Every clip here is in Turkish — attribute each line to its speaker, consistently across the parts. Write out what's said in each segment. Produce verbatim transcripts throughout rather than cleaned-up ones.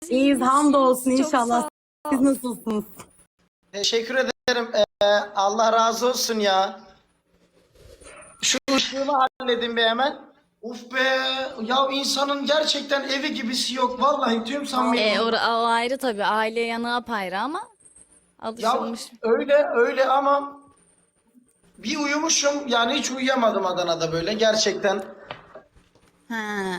Speaker 1: İyiyiz, hamdolsun
Speaker 2: Çok
Speaker 1: inşallah.
Speaker 2: sağ
Speaker 1: Siz
Speaker 2: ol.
Speaker 1: nasılsınız?
Speaker 3: Teşekkür ederim. Ee, Allah razı olsun ya. Şu ışığımı halledin be hemen. Uf be. Ya insanın gerçekten evi gibisi yok. Vallahi tüm samimi.
Speaker 2: E, o, o ayrı tabii. Aile yanı apayrı ama
Speaker 3: Ya
Speaker 2: alışılmış.
Speaker 3: öyle öyle ama bir uyumuşum. Yani hiç uyuyamadım Adana'da böyle. Gerçekten
Speaker 2: Ha.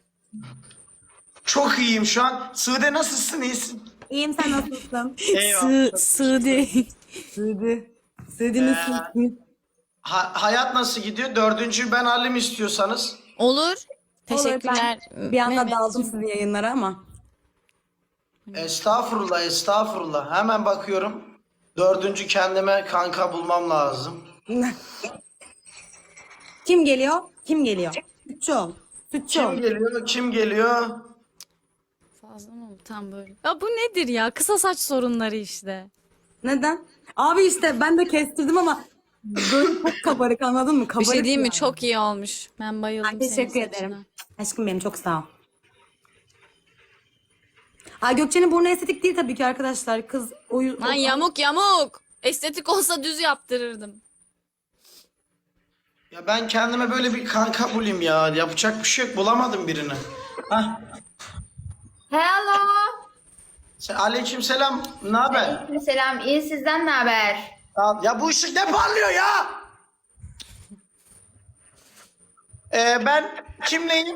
Speaker 3: çok iyiyim şu an. Sude nasılsın? İyisin.
Speaker 1: İyiyim, sen nasılsın?
Speaker 2: Sı Suudi.
Speaker 1: Sığdı. Sığdı nasılsın?
Speaker 3: Ha- hayat nasıl gidiyor? Dördüncü ben halim istiyorsanız.
Speaker 2: Olur.
Speaker 1: Olur,
Speaker 2: Teşekkürler.
Speaker 1: ben bir anda
Speaker 2: Mehmetciğim.
Speaker 1: daldım sizin yayınlara ama.
Speaker 3: Estağfurullah, estağfurullah. Hemen bakıyorum. Dördüncü kendime kanka bulmam lazım.
Speaker 1: Kim geliyor? Kim geliyor? Sütçü ol. Sütçü ol.
Speaker 3: Kim geliyor? Kim geliyor?
Speaker 2: Fazla mı oldu tam böyle? Ya bu nedir ya? Kısa saç sorunları işte.
Speaker 1: Neden? Abi işte ben de kestirdim ama böyle çok kabarık, anladın mı?
Speaker 2: Bir
Speaker 1: Kabarık
Speaker 2: şey diyeyim mi?
Speaker 1: yani.
Speaker 2: Çok iyi olmuş. Ben bayıldım
Speaker 1: Ay,
Speaker 2: senin
Speaker 1: teşekkür
Speaker 2: saçına.
Speaker 1: ederim. Aşkım benim, çok sağ ol. Ay, Gökçe'nin burnu estetik değil tabii ki arkadaşlar. Kız oyu...
Speaker 2: Lan yamuk yamuk. Estetik olsa düz yaptırırdım.
Speaker 3: Ya ben kendime böyle bir kanka bulayım ya. Yapacak bir şey yok. Bulamadım birini. Hah.
Speaker 4: Hello.
Speaker 3: Sen, aleykümselam. Ne haber?
Speaker 4: Selam. İyi, sizden ne haber?
Speaker 3: Ya, ya bu ışık ne parlıyor ya? Ee, ben kimleyim?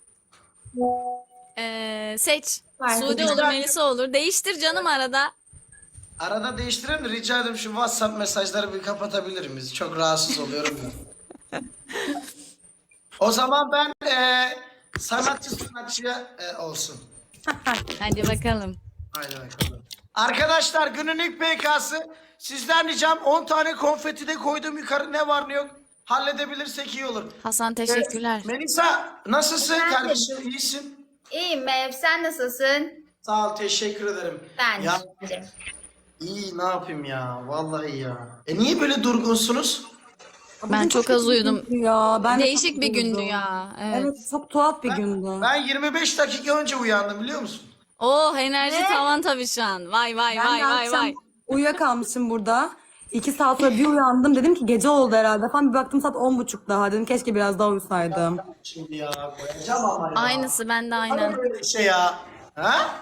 Speaker 2: Ee, seç.
Speaker 4: Fark
Speaker 2: Suudi
Speaker 4: etmez.
Speaker 2: olur, Melisa olur. Değiştir canım arada.
Speaker 3: Arada değiştirelim de rica ederim şu WhatsApp mesajları bir kapatabilir miyiz? Çok rahatsız oluyorum ben. O zaman ben e, sanatçı sanatçıya e, olsun.
Speaker 2: Hadi bakalım.
Speaker 3: Haydi bakalım. Arkadaşlar günün ilk P K'sı. Sizden ricam on tane konfeti de koydum yukarı, ne var ne yok. Halledebilirsek iyi olur.
Speaker 2: Hasan teşekkürler.
Speaker 3: Melisa nasılsın
Speaker 4: Efendim?
Speaker 3: kardeşim, iyisin?
Speaker 4: İyiyim Mev. Sen nasılsın?
Speaker 3: Sağ ol, teşekkür ederim.
Speaker 4: Ben
Speaker 3: Ya
Speaker 4: de iyiyim.
Speaker 3: iyi, ne yapayım ya, vallahi ya. E niye böyle durgunsunuz?
Speaker 2: Ben çok az uyudum.
Speaker 1: Ya, ben de
Speaker 2: Değişik
Speaker 1: çok
Speaker 2: bir gündü
Speaker 1: uyudum.
Speaker 2: ya. Evet.
Speaker 1: Evet, çok tuhaf bir gündü.
Speaker 3: Ben yirmi beş dakika önce uyandım, biliyor musun?
Speaker 2: Oh, enerji
Speaker 4: Ne?
Speaker 2: tavan tabii şu an. Vay vay
Speaker 1: Ben
Speaker 2: vay
Speaker 1: de
Speaker 2: vay
Speaker 1: akşam
Speaker 2: vay.
Speaker 1: uyuyakalmışım burada. İki saat sonra bir uyandım. Dedim ki gece oldu herhalde falan. Bir baktım saat on buçuk daha. Dedim keşke biraz daha uyusaydım.
Speaker 3: Şimdi ya koyacağım ama ya.
Speaker 2: Aynısı bende
Speaker 3: Hani
Speaker 2: aynen.
Speaker 3: böyle bir şey ya. Ha?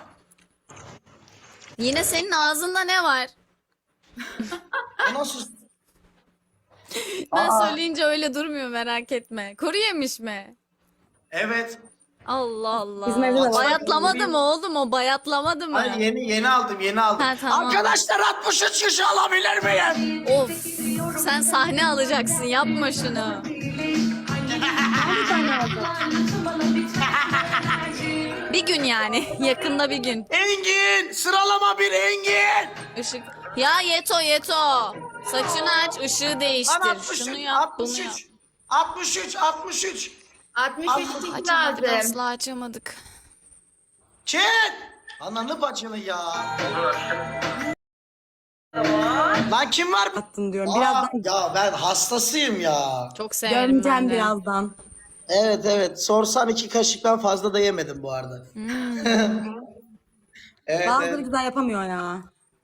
Speaker 2: Yine senin ağzında ne var?
Speaker 3: O nasıl?
Speaker 2: Ben
Speaker 3: Aa.
Speaker 2: söyleyince öyle durmuyor, merak etme. Kuru yemiş mi?
Speaker 3: Evet.
Speaker 2: Allah Allah.
Speaker 1: Bizim evde de var.
Speaker 2: Bayatlamadı mı oğlum, o bayatlamadı mı?
Speaker 3: Hayır, yeni yeni aldım, yeni aldım.
Speaker 2: Ha, tamam.
Speaker 3: Arkadaşlar altmış üç kişi alabilir miyim?
Speaker 2: Of, sen sahne alacaksın, yapma şunu. Bir gün yani, yakında bir gün.
Speaker 3: Engin! Sıralama bir Engin!
Speaker 2: Işık. Ya Yeto Yeto. Saçını aç, ışığı
Speaker 3: Lan
Speaker 2: değiştir.
Speaker 3: altmış üç,
Speaker 2: Şunu yap, bunu yap.
Speaker 3: altmış üç, altmış üç, altmış üç.
Speaker 4: altmış üç kişi
Speaker 2: Açamadık,
Speaker 4: lazım.
Speaker 2: asla açamadık.
Speaker 3: Çek! Ananı bacını ya. Lan kim var?
Speaker 1: Attın diyorum.
Speaker 3: Aa,
Speaker 1: Birazdan
Speaker 3: ya ben hastasıyım ya.
Speaker 2: Çok severim ben
Speaker 1: görmeyeceğim
Speaker 2: de.
Speaker 1: birazdan.
Speaker 3: Evet evet, sorsan iki kaşıktan fazla da yemedim bu arada. Evet,
Speaker 1: Bazıları
Speaker 3: evet.
Speaker 1: güzel yapamıyor ya.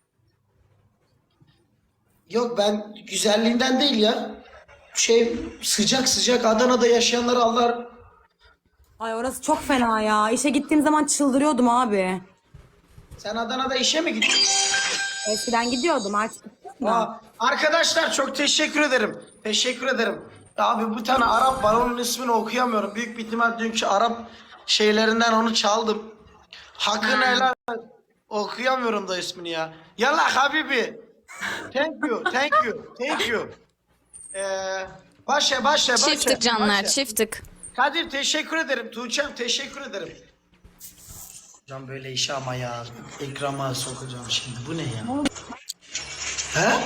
Speaker 3: Yok, ben güzelliğinden değil ya. Şey, sıcak sıcak Adana'da yaşayanlar Allah.
Speaker 1: Ay, orası çok fena ya. İşe gittiğim zaman çıldırıyordum abi.
Speaker 3: Sen Adana'da işe mi gittin?
Speaker 1: Eskiden gidiyordum, artık gitmiyorum.
Speaker 3: Aa, arkadaşlar çok teşekkür ederim. Teşekkür ederim. Ya abi, bir tane Arap var, onun ismini okuyamıyorum. Büyük bir ihtimal dünkü Arap şeylerinden onu çaldım. Hakkını helal et. Okuyamıyorum da ismini ya. Yallah Habibi. Thank you, thank you, thank you. Ee, başla, başla, başla.
Speaker 2: Çiftlik canlar,
Speaker 3: başla.
Speaker 2: çiftlik.
Speaker 3: Kadir teşekkür ederim. Tuğçe'm teşekkür ederim. Hocam böyle işe ama ya. Ekrama sokacağım şimdi. Bu ne ya? He?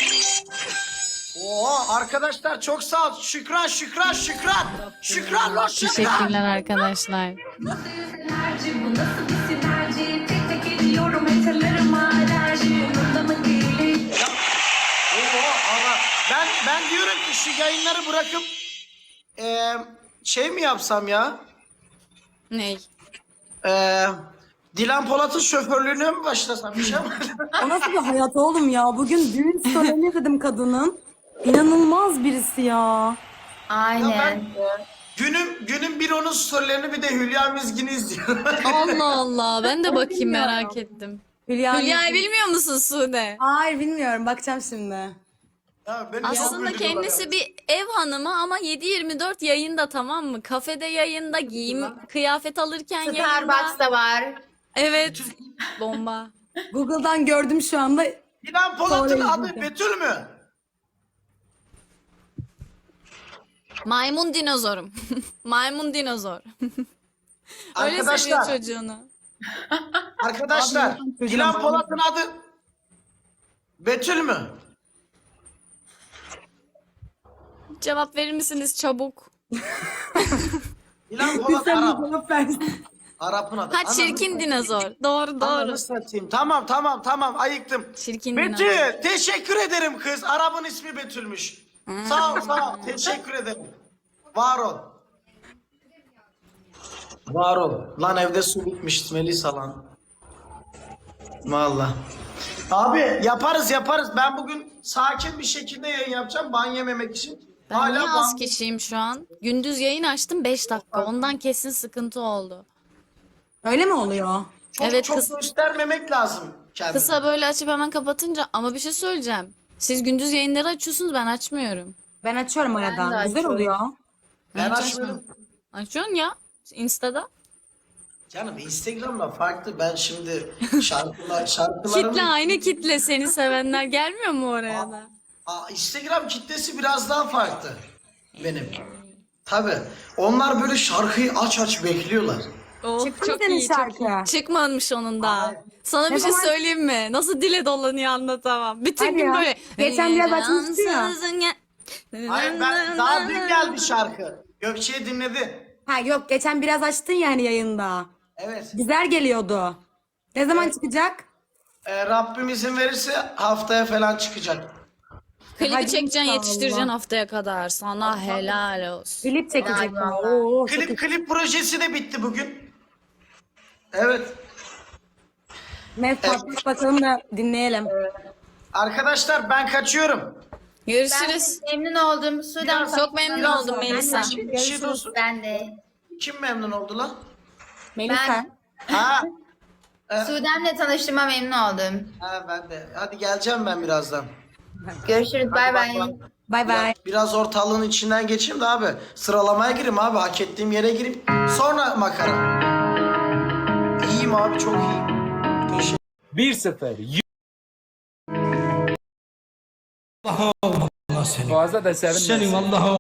Speaker 3: Oo arkadaşlar çok sağ ol. Şükran, şükran, şükran. Şükran lan şükran.
Speaker 2: Teşekkürler arkadaşlar.
Speaker 5: Enerji, bu nasıl bir sinerji? Tek tek ediyorum eterlerime alerji. Umurumda mı değil?
Speaker 3: Oo ama ben ben diyorum ki şu yayınları bırakıp eee şey mi yapsam ya?
Speaker 2: Ney?
Speaker 3: Eee Dilan Polat'ın şoförlüğüne mi başlasam? Bir şey mi?
Speaker 1: O nasıl bir hayat oğlum ya? Bugün düğün töreni dedim kadının. İnanılmaz birisi ya.
Speaker 4: Aynen.
Speaker 3: Günün, günün bir onun storylerini bir de Hülya Mizgin'i izliyorum.
Speaker 2: Allah Allah. Ben de bakayım merak ettim.
Speaker 1: Hülya
Speaker 2: Hülya'yı bilmiyor musun Sude?
Speaker 1: Hayır bilmiyorum. Bakacağım şimdi.
Speaker 3: Ya beni çok
Speaker 2: Aslında
Speaker 3: güldürüyorlar
Speaker 2: kendisi
Speaker 3: ya.
Speaker 2: bir ev hanımı ama yedi yirmi dört yayında, tamam mı? Kafede yayında, giyim, kıyafet alırken yayında.
Speaker 4: Starbucks'ta var.
Speaker 2: Evet. Bomba.
Speaker 1: Google'dan gördüm şu anda.
Speaker 3: Dilan Polat'ın
Speaker 1: Sonra
Speaker 3: adı
Speaker 1: izleyeceğim.
Speaker 3: Betül mü?
Speaker 2: Maymun dinozorum. Maymun dinozor. Öyle seviyor
Speaker 3: Arkadaşlar,
Speaker 2: çocuğunu.
Speaker 3: arkadaşlar
Speaker 1: Abi,
Speaker 3: Dilan
Speaker 1: çocuğum-
Speaker 3: Polat'ın adı Betül mü?
Speaker 2: Cevap verir misiniz çabuk?
Speaker 3: Dilan Polat
Speaker 1: Sen
Speaker 3: Arap.
Speaker 1: bir cevap versin.
Speaker 3: Arap'ın adı.
Speaker 2: Ha,
Speaker 3: Ananı
Speaker 2: çirkin dinozor. Doğru doğru.
Speaker 3: Ananı satayım. Tamam tamam tamam ayıktım.
Speaker 2: Çirkin dinozor.
Speaker 3: Betül teşekkür ederim kız. Arap'ın ismi Betül'müş. Sağ ol sağ ol. Teşekkür ederim. Var ol. Var ol. Lan evde su bitmiş Melisa lan. Valla. Abi yaparız yaparız. Ben bugün sakin bir şekilde yayın yapacağım. Ban yememek için.
Speaker 2: Ben niye az
Speaker 3: ban-
Speaker 2: kişiyim şu an? Gündüz yayın açtım beş dakika. Ondan kesin sıkıntı oldu.
Speaker 1: Öyle mi oluyor?
Speaker 3: çok,
Speaker 2: Evet,
Speaker 3: çok
Speaker 2: kız-
Speaker 3: göstermemek lazım kendini.
Speaker 2: Kısa böyle açıp hemen kapatınca, ama bir şey söyleyeceğim. Siz gündüz yayınları açıyorsunuz, ben açmıyorum.
Speaker 1: Ben açıyorum
Speaker 4: de
Speaker 1: aradan. Güzel
Speaker 4: açıyorum.
Speaker 1: oluyor.
Speaker 3: Ben
Speaker 2: Hiç
Speaker 3: açmıyorum.
Speaker 2: Açıyorsun ya. Insta'da.
Speaker 3: Canım Instagram'da farklı. Ben şimdi şarkılar, şarkılarım...
Speaker 2: Kitle aynı kitle. Seni sevenler gelmiyor mu oraya da?
Speaker 3: Aa, Instagram kitlesi biraz daha farklı benim. Tabii. Onlar böyle şarkıyı aç aç bekliyorlar.
Speaker 2: Oh,
Speaker 1: Çıktı mı
Speaker 2: çok
Speaker 1: senin
Speaker 2: iyi, çok
Speaker 1: şarkı?
Speaker 2: iyi. Çıkmamış onun da. Sana bir
Speaker 1: Ne
Speaker 2: şey
Speaker 1: zaman-
Speaker 2: söyleyeyim mi? Nasıl dile dolanıyor anlatamam. Bütün
Speaker 1: Hadi
Speaker 2: gün
Speaker 1: ya.
Speaker 2: böyle.
Speaker 1: Geçen biraz açmıştı ya.
Speaker 3: Hayır ben daha dün geldi şarkı. Gökçe'yi dinledi.
Speaker 1: Ha yok geçen biraz açtın yani yayında.
Speaker 3: Evet.
Speaker 1: Güzel geliyordu. Ne zaman çıkacak?
Speaker 3: Ee, Rabbim izin verirse haftaya falan çıkacak.
Speaker 2: Klibi
Speaker 1: Hadi
Speaker 2: çekeceksin,
Speaker 1: inşallah.
Speaker 2: yetiştireceksin haftaya kadar. Sana helal olsun.
Speaker 1: Klip çekecek.
Speaker 4: Ay,
Speaker 1: mi?
Speaker 4: vallahi.
Speaker 1: Oo, çok iyi.
Speaker 3: Klip klip projesi de bitti bugün. Evet.
Speaker 1: Mes patlat bakalım da dinleyelim.
Speaker 3: Arkadaşlar ben kaçıyorum.
Speaker 2: Görüşürüz.
Speaker 4: Ben memnun oldum. Sudan
Speaker 3: Biraz-
Speaker 2: Çok memnun
Speaker 3: biraz-
Speaker 2: oldum Melisa.
Speaker 3: Bir şey de olsun.
Speaker 4: Ben de.
Speaker 3: Kim memnun oldu lan?
Speaker 1: Melisa.
Speaker 4: Ben-
Speaker 3: Ha.
Speaker 4: Sudem'le tanıştığıma memnun oldum.
Speaker 3: Ha ben de. Hadi geleceğim ben birazdan.
Speaker 4: Görüşürüz. Bay bay.
Speaker 1: Bay bay.
Speaker 3: Biraz, biraz ortalığın içinden geçeyim de abi. Sıralamaya gireyim abi. Hak ettiğim yere gireyim. Sonra makara. İyiyim abi çok iyiyim. Teşekkür
Speaker 6: bir sıfır. Fazla da sevinmesin.
Speaker 7: Senin Allah'a